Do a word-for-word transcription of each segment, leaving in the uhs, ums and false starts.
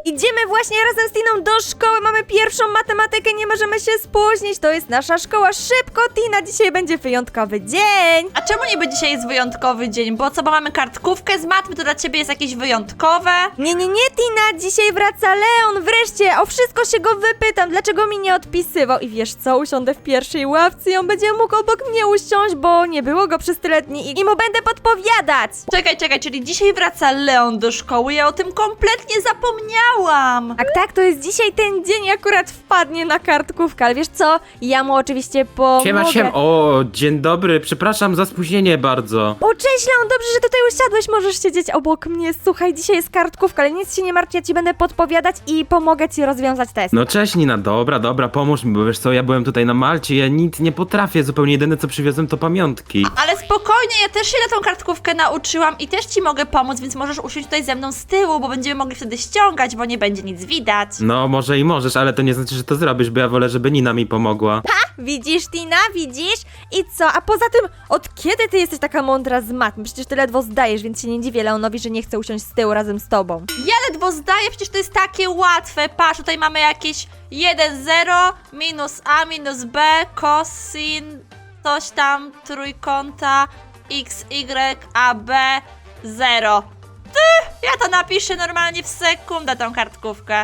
Idziemy właśnie razem z Tiną do szkoły, mamy pierwszą matematykę, nie możemy się spóźnić, to jest nasza szkoła. Szybko, Tina, dzisiaj będzie wyjątkowy dzień. A czemu niby dzisiaj jest wyjątkowy dzień? Bo co, bo mamy kartkówkę z matmy, to dla ciebie jest jakieś wyjątkowe? Nie, nie, nie, Tina, dzisiaj wraca Leon, wreszcie, o wszystko się go wypytam, dlaczego mi nie odpisywał. I wiesz co, usiądę w pierwszej ławce i on będzie mógł obok mnie usiąść, bo nie było go przez tyle dni i, i mu będę podpowiadać. Czekaj, czekaj, czyli dzisiaj wraca Leon do szkoły, ja o tym kompletnie zapomniałam. Tak, tak, to jest dzisiaj ten dzień, akurat wpadnie na kartkówkę, ale wiesz co, ja mu oczywiście pomogę. Siema, siema. O, dzień dobry, przepraszam za spóźnienie bardzo. O, cześć Leon, dobrze, że tutaj usiadłeś, możesz siedzieć obok mnie. Słuchaj, dzisiaj jest kartkówka, ale nic się nie martw, ja ci będę podpowiadać i pomogę ci rozwiązać test. No cześć Nina, dobra, dobra, pomóż mi, bo wiesz co, ja byłem tutaj na Malcie, ja nic nie potrafię, zupełnie jedyne co przywiozłem to pamiątki. Ale spokojnie, ja też się na tą kartkówkę nauczyłam i też ci mogę pomóc, więc możesz usiąść tutaj ze mną z tyłu, bo będziemy mogli wtedy ściągać, bo nie będzie nic widać. No może i możesz, ale to nie znaczy, że to zrobisz, bo ja wolę, żeby Nina mi pomogła. Widzisz, Tina, widzisz? I co? A poza tym, od kiedy ty jesteś taka mądra z matmy? Przecież ty ledwo zdajesz, więc się nie dziwię Leonowi, że nie chce usiąść z tyłu razem z tobą. Ja ledwo zdaję, przecież to jest takie łatwe. Patrz, tutaj mamy jakieś jeden zero minus a minus b cosin coś tam trójkąta x y a b zero. Ty, ja to napiszę normalnie w sekundę tą kartkówkę.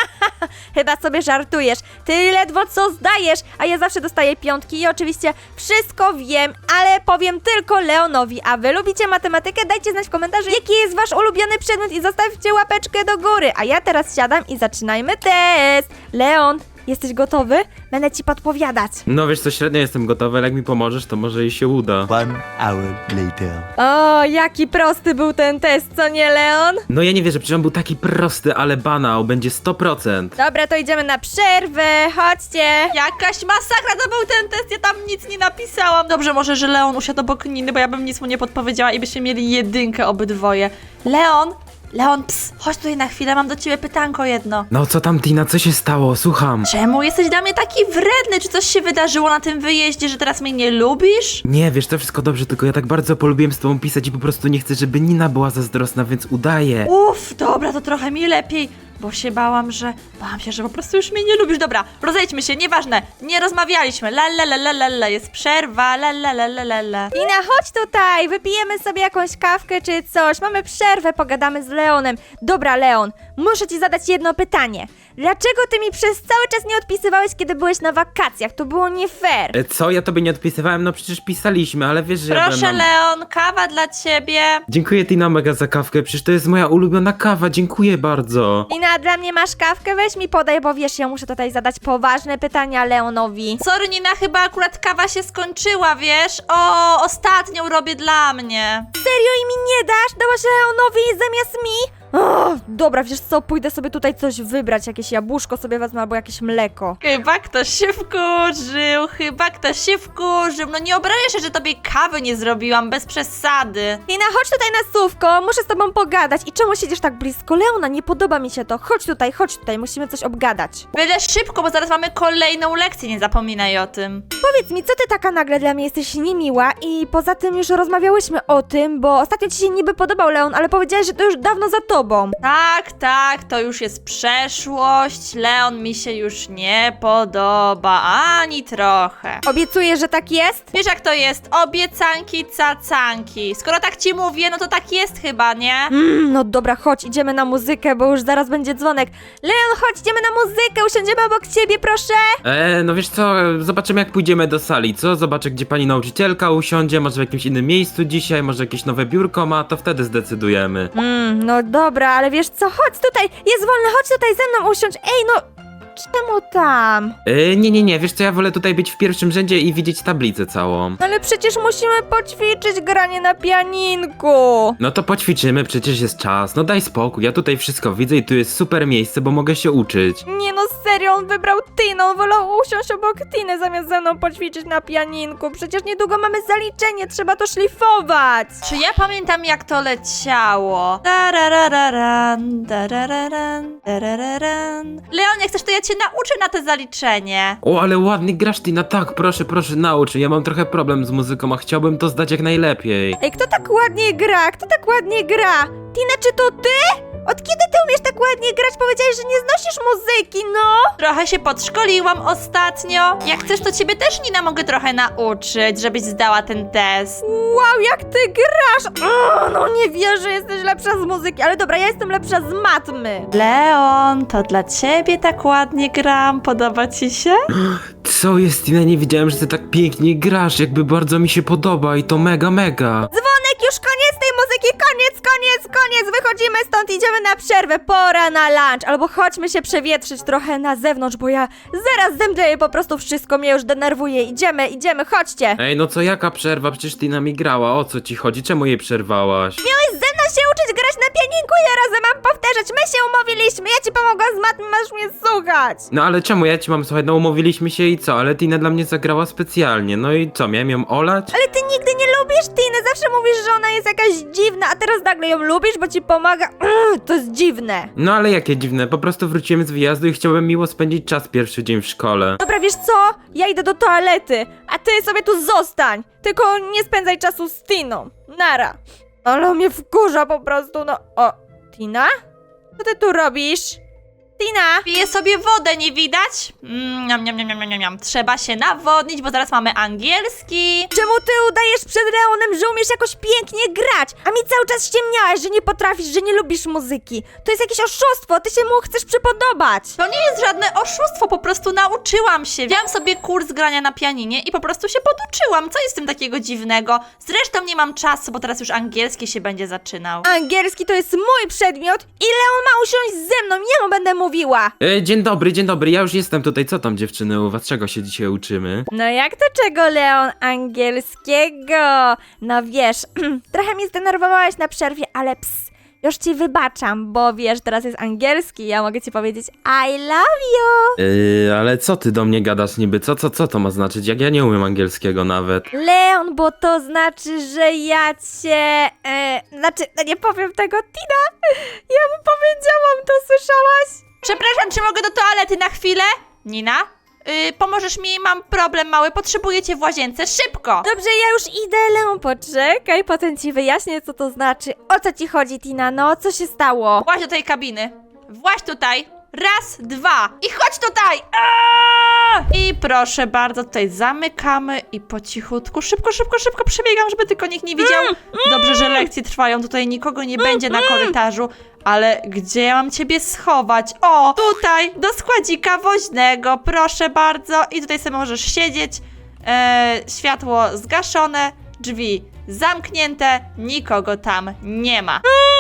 Chyba sobie żartujesz. Ty ledwo co zdajesz, a ja zawsze dostaję piątki i oczywiście wszystko wiem, ale powiem tylko Leonowi. A wy lubicie matematykę? Dajcie znać w komentarzu, jaki jest wasz ulubiony przedmiot i zostawcie łapeczkę do góry. A ja teraz siadam i zaczynajmy test. Leon, jesteś gotowy? Będę ci podpowiadać. No wiesz co, średnio jestem gotowy, ale jak mi pomożesz, to może i się uda. One hour later. O, jaki prosty był ten test, co nie, Leon? No ja nie wierzę, przecież on był taki prosty, ale banał, będzie sto procent. Dobra, to idziemy na przerwę, chodźcie. Jakaś masakra to był ten test, ja tam nic nie napisałam. Dobrze, może, że Leon usiadł obok Niny, bo ja bym nic mu nie podpowiedziała i byśmy mieli jedynkę obydwoje. Leon, Leon, ps, chodź tutaj na chwilę, mam do ciebie pytanko jedno. No co tam Tina, co się stało? Słucham. Czemu jesteś dla mnie taki wredny? Czy coś się wydarzyło na tym wyjeździe, że teraz mnie nie lubisz? Nie, wiesz, to wszystko dobrze, tylko ja tak bardzo polubiłem z tobą pisać i po prostu nie chcę, żeby Nina była zazdrosna, więc udaję. Uff, dobra, to trochę mi lepiej, bo się bałam, że... Bałam się, że po prostu już mnie nie lubisz. Dobra, rozejdźmy się, nieważne, nie rozmawialiśmy. La la la la la la, jest przerwa, la la la la la la. Tina, chodź tutaj, wypijemy sobie jakąś kawkę czy coś, mamy przerwę, pogadamy z Leonem. Dobra, Leon, muszę ci zadać jedno pytanie. Dlaczego ty mi przez cały czas nie odpisywałeś, kiedy byłeś na wakacjach? To było nie fair. E, Co? Ja tobie nie odpisywałem? No przecież pisaliśmy, ale wiesz, że ja Proszę, byłem na... Leon, kawa dla ciebie. Dziękuję Tina mega za kawkę, przecież to jest moja ulubiona kawa, dziękuję bardzo. Tina, a dla mnie masz kawkę? Weź mi podaj, bo wiesz, ja muszę tutaj zadać poważne pytania Leonowi. Sorry, Nina, chyba akurat kawa się skończyła, wiesz? O, ostatnią robię dla mnie. Serio i mi nie dasz? Dałaś Leonowi zamiast mi? O, dobra, wiesz co, pójdę sobie tutaj coś wybrać, jakieś jabłuszko sobie wezmę albo jakieś mleko. Chyba ktoś się wkurzył, chyba ktoś się wkurzył. No nie obrażaj się, że tobie kawy nie zrobiłam, bez przesady. Tina, chodź tutaj na słówko, muszę z tobą pogadać. I czemu siedzisz tak blisko Leona? Nie podoba mi się to. Chodź tutaj, chodź tutaj, musimy coś obgadać. Byle szybko, bo zaraz mamy kolejną lekcję, nie zapominaj o tym. Powiedz mi, co ty taka nagle dla mnie jesteś niemiła i poza tym już rozmawiałyśmy o tym, bo ostatnio ci się niby podobał Leon, ale powiedziałeś, że to już dawno za tobą. Tak, tak, to już jest przeszłość. Leon mi się już nie podoba, ani trochę. Obiecuję, że tak jest? Wiesz jak to jest? Obiecanki, cacanki. Skoro tak ci mówię, no to tak jest chyba, nie? Mm, no dobra, chodź, idziemy na muzykę, bo już zaraz będzie dzwonek. Leon, chodź, idziemy na muzykę, usiądziemy obok ciebie, proszę. E, no wiesz co, zobaczymy jak pójdziemy do sali, co? Zobaczę gdzie pani nauczycielka usiądzie, może w jakimś innym miejscu dzisiaj, może jakieś nowe biurko ma, to wtedy zdecydujemy. Mm, no dobra, ale wiesz co, chodź tutaj, jest wolne, chodź tutaj ze mną usiądź. Ej, no, czemu tam? E, nie, nie, nie, wiesz co, ja wolę tutaj być w pierwszym rzędzie i widzieć tablicę całą. Ale przecież musimy poćwiczyć granie na pianinku. No to poćwiczymy, przecież jest czas, no daj spokój, ja tutaj wszystko widzę i tu jest super miejsce, bo mogę się uczyć. Nie no, serio, on wybrał Tinę, on wolał usiąść obok Tiny zamiast ze mną poćwiczyć na pianinku. Przecież niedługo mamy zaliczenie, trzeba to szlifować. Czy ja pamiętam jak to leciało? Tararararan, tarararan, tarararan. Leon, jak chcesz, to ja cię nauczę na to zaliczenie. O, ale ładnie grasz Tina, tak, proszę, proszę, naucz, ja mam trochę problem z muzyką, a chciałbym to zdać jak najlepiej. Ej, kto tak ładnie gra? Kto tak ładnie gra? Tina, czy to ty? Od kiedy ty umiesz tak ładnie grać? Powiedziałeś, że nie znosisz muzyki, no! Trochę się podszkoliłam ostatnio. Jak chcesz, to ciebie też, Nina, mogę trochę nauczyć, żebyś zdała ten test. Wow, jak ty grasz! O, no nie wierzę, jesteś lepsza z muzyki, ale dobra, ja jestem lepsza z matmy. Leon, to dla ciebie tak ładnie gram. Podoba ci się? Co jest, Tina? Nie wiedziałem, że ty tak pięknie grasz, jakby bardzo mi się podoba i to mega, mega. Dzwonek, już koniec tej muzyki, koniec, koniec, koniec, wychodzimy stąd, idziemy na przerwę, pora na lunch, albo chodźmy się przewietrzyć trochę na zewnątrz, bo ja zaraz zemdleję, po prostu wszystko mnie już denerwuje, idziemy, idziemy, chodźcie. Ej, no co, jaka przerwa? Przecież Tina mi grała, o co ci chodzi? Czemu jej przerwałaś? Miałeś ze mną się uczyć grać na pianinku, ja razem mam powtarzać, my się umówiliśmy, ja ci pomogłam z matmy, masz mnie słuchać. No ale czemu ja ci mam słuchać? No umówiliśmy się i co? Ale Tina dla mnie zagrała specjalnie, no i co, miałem ją olać? Ale ty nigdy nie lubisz Tiny, zawsze mówisz, że ona jest jakaś dziwna, a teraz nagle ją lubisz, bo ci pomaga. Ugh, to jest dziwne. No ale jakie dziwne, po prostu wróciłem z wyjazdu i chciałem miło spędzić czas pierwszy dzień w szkole. Dobra, wiesz co? Ja idę do toalety, a ty sobie tu zostań. Tylko nie spędzaj czasu z Tiną. Nara. Ale mnie wkurza po prostu, no. O, Tina? Co ty tu robisz? Tina! Piję sobie wodę, nie widać? Mm, niam, niam, niam, niam, niam, niam. Trzeba się nawodnić, bo zaraz mamy angielski. Czemu ty udajesz przed Leonem, że umiesz jakoś pięknie grać? A mi cały czas ściemniałaś, że nie potrafisz, że nie lubisz muzyki. To jest jakieś oszustwo, ty się mu chcesz przypodobać. To nie jest żadne oszustwo, po prostu nauczyłam się. Wziąłam sobie kurs grania na pianinie i po prostu się poduczyłam. Co jest w tym takiego dziwnego? Zresztą nie mam czasu, bo teraz już angielski się będzie zaczynał. Angielski to jest mój przedmiot i Leon ma usiąść ze mną, ja mu będę mówiła. E, dzień dobry, dzień dobry, ja już jestem tutaj, co tam dziewczyny u was, czego się dzisiaj uczymy? No jak to czego, Leon? Angielskiego. No wiesz, trochę mnie zdenerwowałaś na przerwie, ale ps, już ci wybaczam, bo wiesz, teraz jest angielski, ja mogę ci powiedzieć I love you. Yy, ale co ty do mnie gadasz niby, co, co, co to ma znaczyć, jak ja nie umiem angielskiego nawet? Leon, bo to znaczy, że ja cię... E, znaczy, no nie powiem tego, Tina. Ja mu powiedziałam, to słyszałaś? Przepraszam, czy mogę do toalety na chwilę? Nina? Yy, pomożesz mi? Mam problem mały, potrzebuję cię w łazience, szybko! Dobrze, ja już idę, Leon, poczekaj, potem ci wyjaśnię, co to znaczy. O co ci chodzi, Tina, no, co się stało? Właź do tej kabiny. Właź tutaj. Raz, dwa. I chodź tutaj. Aaaa! I proszę bardzo, tutaj zamykamy i po cichutku, szybko, szybko, szybko przebiegam, żeby tylko nikt nie widział. Dobrze, że lekcje trwają, tutaj nikogo nie będzie na korytarzu. Ale gdzie ja mam ciebie schować? O, tutaj, do składzika woźnego, proszę bardzo. I tutaj sobie możesz siedzieć. E, światło zgaszone, drzwi zamknięte, nikogo tam nie ma.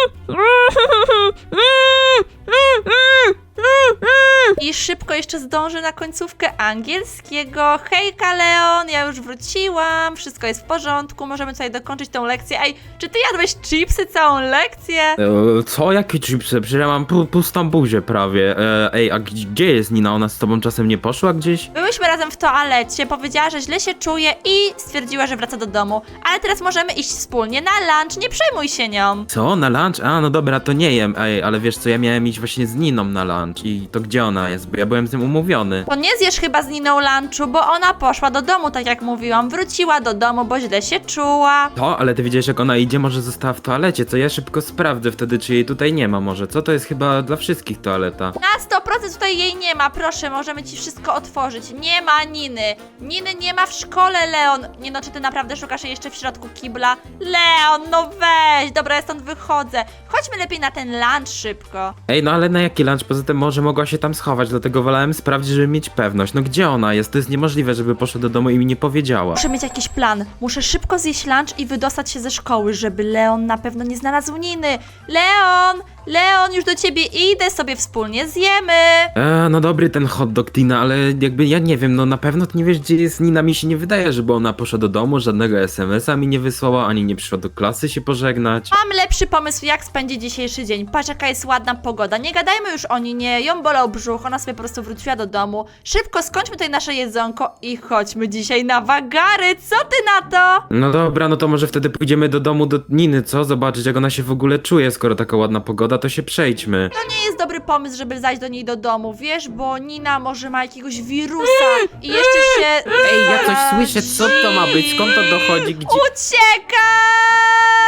I szybko jeszcze zdążę na końcówkę angielskiego. Hejka, Leon, ja już wróciłam, wszystko jest w porządku, możemy tutaj dokończyć tą lekcję. Ej, czy ty jadłeś chipsy całą lekcję? E, co, jakie chipsy? Przecież ja mam pu pustą buzię prawie. E, ej, a gdzie jest Nina? Ona z tobą czasem nie poszła gdzieś? Byłyśmy razem w toalecie, powiedziała, że źle się czuje i stwierdziła, że wraca do domu. Ale teraz możemy iść wspólnie na lunch, nie przejmuj się nią. Co, na lunch? A, no dobra, to nie jem. Ej, ale wiesz co, ja miałem iść właśnie z Niną na lunch i to gdzie ona jest? Bo ja byłem z tym umówiony. To nie zjesz chyba z Niną lunchu, bo ona poszła do domu, tak jak mówiłam. Wróciła do domu, bo źle się czuła. To, ale ty wiedziałeś jak ona idzie, może została w toalecie, co ja szybko sprawdzę wtedy, czy jej tutaj nie ma może, co? To jest chyba dla wszystkich toaleta. Na sto procent tutaj jej nie ma, proszę, możemy ci wszystko otworzyć. Nie ma Niny. Niny nie ma w szkole, Leon. Nie no, czy ty naprawdę szukasz jej jeszcze w środku kibla? Leon, no weź, dobra, ja stąd wychodzę. Chodźmy lepiej na ten lunch szybko. Ej, no ale na jaki lunch? Poza tym może mogła się tam schować, dlatego wolałem sprawdzić, żeby mieć pewność. No gdzie ona jest? To jest niemożliwe, żeby poszła do domu i mi nie powiedziała. Muszę mieć jakiś plan. Muszę szybko zjeść lunch i wydostać się ze szkoły, żeby Leon na pewno nie znalazł Niny. Leon! Leon, już do ciebie idę, sobie wspólnie zjemy. Eee, no dobry ten hot dog, Tina, ale jakby ja nie wiem, no na pewno ty nie wiesz, gdzie jest Nina, mi się nie wydaje, żeby ona poszła do domu, żadnego es em es a mi nie wysłała, ani nie przyszła do klasy się pożegnać. Mam lepszy pomysł, jak spędzić dzisiejszy dzień. Patrz, jaka jest ładna pogoda. Nie gadajmy już o Ninie, ją bolał brzuch, ona sobie po prostu wróciła do domu. Szybko skończmy tutaj nasze jedzonko i chodźmy dzisiaj na wagary. Co ty na to? No dobra, no to może wtedy pójdziemy do domu do Niny, co? Zobaczyć, jak ona się w ogóle czuje, skoro taka ładna pogoda, to się przejdźmy. To nie jest dobry pomysł, żeby zajść do niej do domu, wiesz, bo Nina może ma jakiegoś wirusa i jeszcze się... Ej, ja coś słyszę, co to ma być? Skąd to dochodzi? Gdzie? Uciekaj!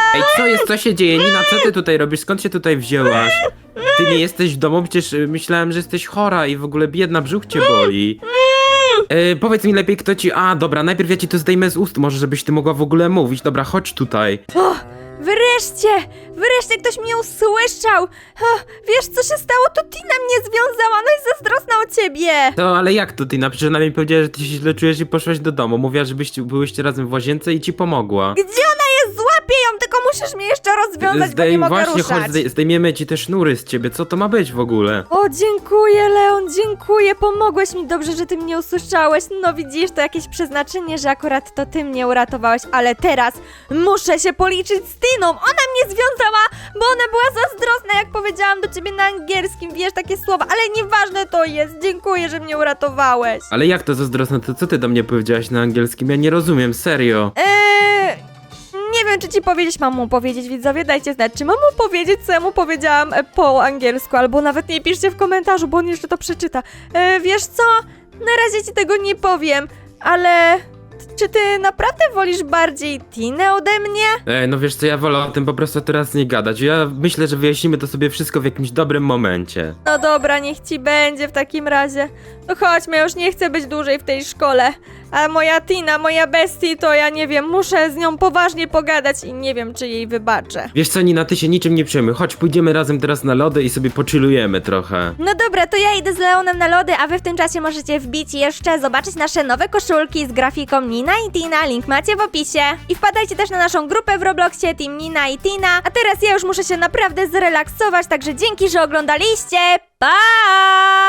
Ej, co jest, co się dzieje? Nina, co ty tutaj robisz? Skąd się tutaj wzięłaś? Ty nie jesteś w domu? Przecież y, myślałem, że jesteś chora i w ogóle biedna, brzuch cię boli. E, powiedz mi lepiej, kto ci... A, dobra, najpierw ja ci to zdejmę z ust, może żebyś ty mogła w ogóle mówić. Dobra, chodź tutaj. O, wreszcie! Wreszcie ktoś mnie usłyszał! O, wiesz, co się stało? To Tina mnie związała, no i zazdrosna o ciebie! To, ale jak to, Tina? Przecież ona mi powiedziała, że ty się źle czujesz i poszłaś do domu. Mówiła, żebyście byłyście razem w łazience i ci pomogła. Gdzie ona jest? Złapię ją, tylko musisz mnie jeszcze rozwiązać, bo nie mogę właśnie, ruszać. chodź, zdej- zdejmiemy ci te sznury z ciebie. Co to ma być w ogóle? O, dziękuję, Leon, dziękuję, pomogłeś mi, dobrze, że ty mnie usłyszałeś. No widzisz, to jakieś przeznaczenie, że akurat to ty mnie uratowałeś, ale teraz muszę się policzyć z Tiną. Ona mnie związała, bo ona była zazdrosna, jak powiedziałam do ciebie na angielskim, wiesz, takie słowa, ale nieważne to jest, dziękuję, że mnie uratowałeś. Ale jak to zazdrosne? To co ty do mnie powiedziałaś na angielskim? Ja nie rozumiem, serio. Eee... Nie wiem, czy ci powiedzieć, mam mu powiedzieć, widzowie, dajcie znać, czy mam mu powiedzieć, co ja mu powiedziałam e, po angielsku, albo nawet nie piszcie w komentarzu, bo on jeszcze to przeczyta. E, wiesz co? Na razie ci tego nie powiem, ale... Czy ty naprawdę wolisz bardziej Tinę ode mnie? Ej, no wiesz co, ja wolę o tym po prostu teraz nie gadać. Ja myślę, że wyjaśnimy to sobie wszystko w jakimś dobrym momencie. No dobra, niech ci będzie w takim razie. No chodźmy, ja już nie chcę być dłużej w tej szkole. A moja Tina, moja bestie, to ja nie wiem, muszę z nią poważnie pogadać i nie wiem, czy jej wybaczę. Wiesz co, Nina, ty się niczym nie przejmuj. Chodź, pójdziemy razem teraz na lody i sobie pochillujemy trochę. No dobra, to ja idę z Leonem na lody, a wy w tym czasie możecie wbić i jeszcze zobaczyć nasze nowe koszulki z grafiką Nina i Tina, link macie w opisie. I wpadajcie też na naszą grupę w Robloxie Team Nina i Tina. A teraz ja już muszę się naprawdę zrelaksować, także dzięki, że oglądaliście. Pa!